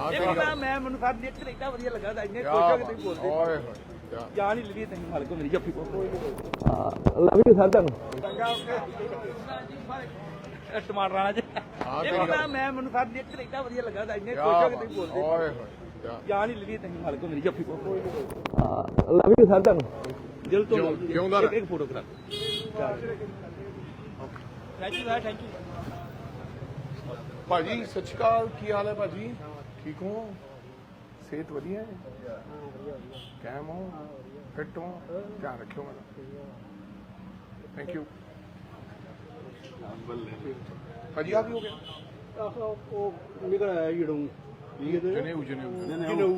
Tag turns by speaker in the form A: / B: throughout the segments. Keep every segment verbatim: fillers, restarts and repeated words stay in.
A: ਮੈਂ ਮੈਂ ਮੈਨੂੰ ਸਾਰ ਨੇਚਰ ਇੱਡਾ ਵਧੀਆ ਲੱਗਾ ਤਾਂ ਇੰਨੇ ਖੁਸ਼ ਹੋ ਕੇ ਤੁਸੀਂ ਬੋਲਦੇ
B: ਓਏ ਹੋਏ
A: ਜਾਨ ਹੀ ਲਈ ਤੁਸੀਂ ਮਾਲਕੋ ਮੇਰੀ ਜੱਫੀ ਕੋ ਹਾਂ ਲਵ ਯੂ ਸਰ ਤੁਹਾਨੂੰ ਟਮਾਟਰ ਰਾਣਾ ਜੀ ਮੈਂ ਮੈਂ ਮੈਨੂੰ ਸਾਰ ਨੇਚਰ ਇੱਡਾ ਵਧੀਆ ਲੱਗਾ ਤਾਂ ਇੰਨੇ ਖੁਸ਼ ਹੋ ਕੇ ਤੁਸੀਂ ਬੋਲਦੇ
B: ਓਏ ਹੋਏ
A: ਜਾਨ ਹੀ ਲਈ ਤੁਸੀਂ ਮਾਲਕੋ ਮੇਰੀ ਜੱਫੀ ਕੋ ਹਾਂ ਲਵ ਯੂ ਸਰ ਤੁਹਾਨੂੰ ਦਿਲ ਤੋਂ
B: ਜਿਉਂਦਾ
A: ਇੱਕ ਫੋਟੋ ਕਰਾ thank you sir thank you
B: ਭਾਜੀ ਸਤਿ ਸ਼੍ਰੀ ਅਕਾਲ ਕੀ ਹਾਲ ਹੈ ਭਾਜੀ ਠੀਕ ਹੋ ਸਿਹਤ ਵਧੀਆ ਹੈ ਕੈਮ ਹੋ ਫਿੱਟ ਹੋ ਧਿਆਨ ਰੱਖਿਓ ਮੇਰਾ ਥੈਂਕ ਯੂ ਭਾਜੀ ਆ ਕੀ ਹੋ ਗਿਆ
A: ਉਹ ਨਿਕਲ ਆਇਆ ਜੜੋਂ
B: ਜਨੇਊ ਜਨੇਊ
A: ਜਨੇਊ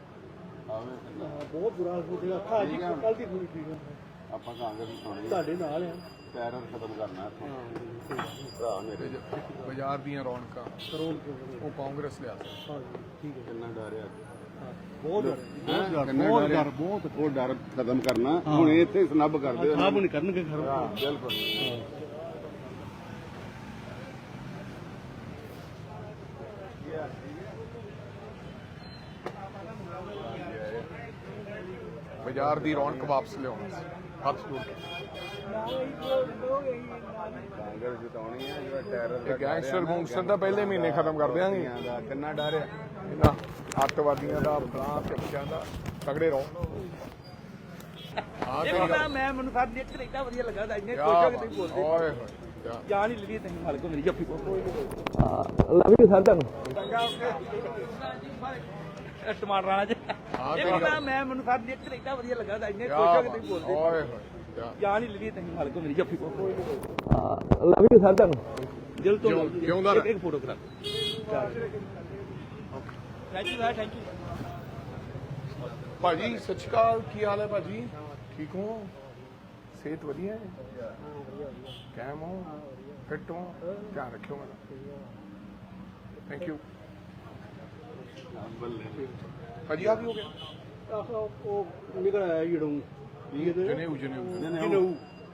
A: ਬਹੁਤ ਬੁਰਾ ਹਾਲ ਹੋ ਗਿਆ ਅੱਖਾਂ ਜੀ ਕੱਲ ਦੀ ਪੂਰੀ ਠੀਕ
C: ਆਪਾਂ ਕਾਂਗਰਸ ਸੁਣੀ
A: ਤੁਹਾਡੇ ਨਾਲ ਆ
C: ਟੈਰਰ ਖਤਮ ਕਰਨਾ ਭਰਾ ਮੇਰੇ
B: ਬਾਜ਼ਾਰ ਦੀਆਂ ਰੌਣਕਾਂ
A: ਕਰੋੜ
B: ਉਹ ਕਾਂਗਰਸ ਲਿਆ
A: ਹਾਂ ਠੀਕ ਹੈ
C: ਕਿੰਨਾ ਡਰਿਆ
A: ਬਹੁਤ ਡਰ
C: ਬਹੁਤ ਡਰ ਬਹੁਤ ਉਹ ਡਰ ਖਤਮ ਕਰਨਾ ਹੁਣ ਇੱਥੇ ਸਨੱਬ ਕਰਦੇ
A: ਆਪ ਨਹੀਂ ਕਰਨਗੇ ਘਰ
C: ਬਿਲਕੁਲ
B: ਬਾਜ਼ਾਰ ਦੀ ਰੌਣਕ ਵਾਪਸ ਲਿਆਉਣਾ ਸੀ ਹੱਥ ਜੋੜ ਕੇ
C: ਕਾਂਗਰਸ ਜਿਤਾਉਣੀ ਹੈ ਜਿਹੜਾ ਟੈਰਰ
B: ਇਹ ਗੈਂਗਸਟਰ ਗੂੰਗਸਟਰ ਤਾਂ ਪਹਿਲੇ ਮਹੀਨੇ ਖਤਮ ਕਰ ਦਿਆਂਗੇ
C: ਦਾ ਕਿੰਨਾ ਡਰ ਆ
B: ਇਹਨਾਂ ਅੱਤਵਾਦੀਆਂ ਦਾ ਫਲਾਂ ਤੇ ਬੱਚਿਆਂ ਦਾ ਤਗੜੇ ਰਹੋ ਹਾਂ
A: ਮੈਂ ਮੈਂ ਮੈਨੂੰ ਸਾਰ ਨੇਚਰ ਇੱਡਾ ਵਧੀਆ ਲੱਗਾ ਤਾਂ ਇੰਨੇ ਖੁਸ਼ ਹੋ ਕੇ ਤੁਸੀਂ ਬੋਲਦੇ
B: ਓਏ ਹੋਏ
A: ਜਾਨ ਹੀ ਲਈ ਤੁਸੀਂ ਮਾਲਕੋ ਮੇਰੀ ਜੱਫੀ ਕੋ ਹਾਂ ਲਵ ਯੂ ਸਰ ਤੁਹਾਨੂੰ ਟਮਾਟਰ ਰਾਣਾ ਜੀ ਮੈਂ ਮੈਂ ਮੈਨੂੰ ਸਾਰ ਨੇਚਰ ਇੱਡਾ ਵਧੀਆ ਲੱਗਾ ਤਾਂ ਇੰਨੇ ਖੁਸ਼ ਹੋ ਕੇ ਤੁਸੀਂ ਬੋਲਦੇ
B: ਓਏ ਹੋਏ
A: ਜਾਨ ਹੀ ਲਈ ਤੁਸੀਂ ਮਾਲਕੋ ਮੇਰੀ ਜੱਫੀ ਕੋ ਹਾਂ ਲਵ ਯੂ ਸਰ ਤੁਹਾਨੂੰ ਦਿਲ ਤੋਂ
B: ਜਿਉਂਦਾ
A: ਇੱਕ ਫੋਟੋ ਕਰਾ thank you sir thank you
B: ਭਾਜੀ ਸਤਿ ਸ਼੍ਰੀ ਅਕਾਲ ਕੀ ਹਾਲ ਹੈ ਭਾਜੀ ਠੀਕ ਹੋ ਸਿਹਤ ਵਧੀਆ ਹੈ ਕੈਮ ਹੋ ਫਿੱਟ ਹੋ ਧਿਆਨ ਰੱਖਿਓ ਮੇਰਾ ਥੈਂਕ ਯੂ ਭਾਜੀ ਆ ਕੀ ਹੋ ਗਿਆ
A: ਉਹ ਨਿਕਲ ਆਇਆ ਜੜੋਂ
B: ਜਨੇਊ ਜਨੇਊ
A: ਜਨੇਊ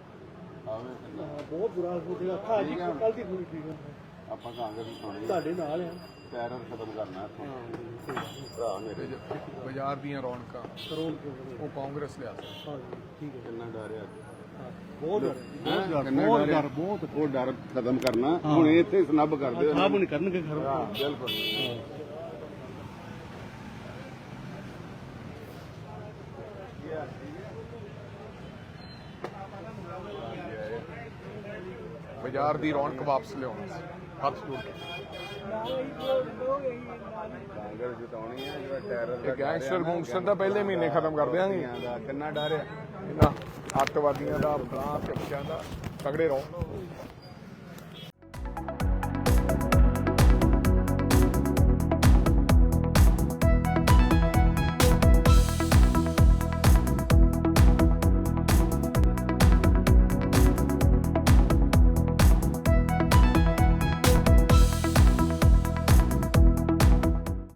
A: ਬਹੁਤ ਬੁਰਾ ਹਾਲ ਹੋ ਗਿਆ ਅੱਖਾਂ ਜੀ ਕੱਲ ਦੀ ਪੂਰੀ ਠੀਕ
C: ਆਪਾਂ ਕਾਂਗਰਸ ਸੁਣੀ
A: ਤੁਹਾਡੇ ਨਾਲ ਆ
C: ਟੈਰਰ ਖਤਮ ਕਰਨਾ ਭਰਾ ਮੇਰੇ
B: ਬਾਜ਼ਾਰ ਦੀਆਂ ਰੌਣਕਾਂ
A: ਕਰੋੜ
B: ਉਹ ਕਾਂਗਰਸ ਲਿਆ
A: ਹਾਂ ਠੀਕ ਹੈ
C: ਕਿੰਨਾ ਡਰਿਆ
A: ਬਹੁਤ ਡਰ
C: ਬਹੁਤ ਡਰ ਬਹੁਤ ਉਹ ਡਰ ਖਤਮ ਕਰਨਾ ਹੁਣ ਇੱਥੇ ਸਨੱਬ ਕਰਦੇ
A: ਆਪ ਨਹੀਂ ਕਰਨਗੇ ਘਰ
C: ਬਿਲਕੁਲ
B: ਬਾਜ਼ਾਰ ਦੀ ਰੌਣਕ ਵਾਪਸ ਲਿਆਉਣਾ ਸੀ ਹੱਥ ਜੋੜ ਕੇ
C: ਕਾਂਗਰਸ ਜਿਤਾਉਣੀ ਹੈ ਜਿਹੜਾ ਟੈਰਰ
B: ਇਹ ਗੈਂਗਸਟਰ ਗੂੰਗਸਟਰ ਤਾਂ ਪਹਿਲੇ ਮਹੀਨੇ ਖਤਮ ਕਰ ਦਿਆਂਗੇ
C: ਦਾ ਕਿੰਨਾ ਡਰ ਆ
B: ਇਹਨਾਂ ਅੱਤਵਾਦੀਆਂ ਦਾ ਫਲਾਂ ਤੇ ਬੱਚਿਆਂ ਦਾ ਤਗੜੇ ਰਹੋ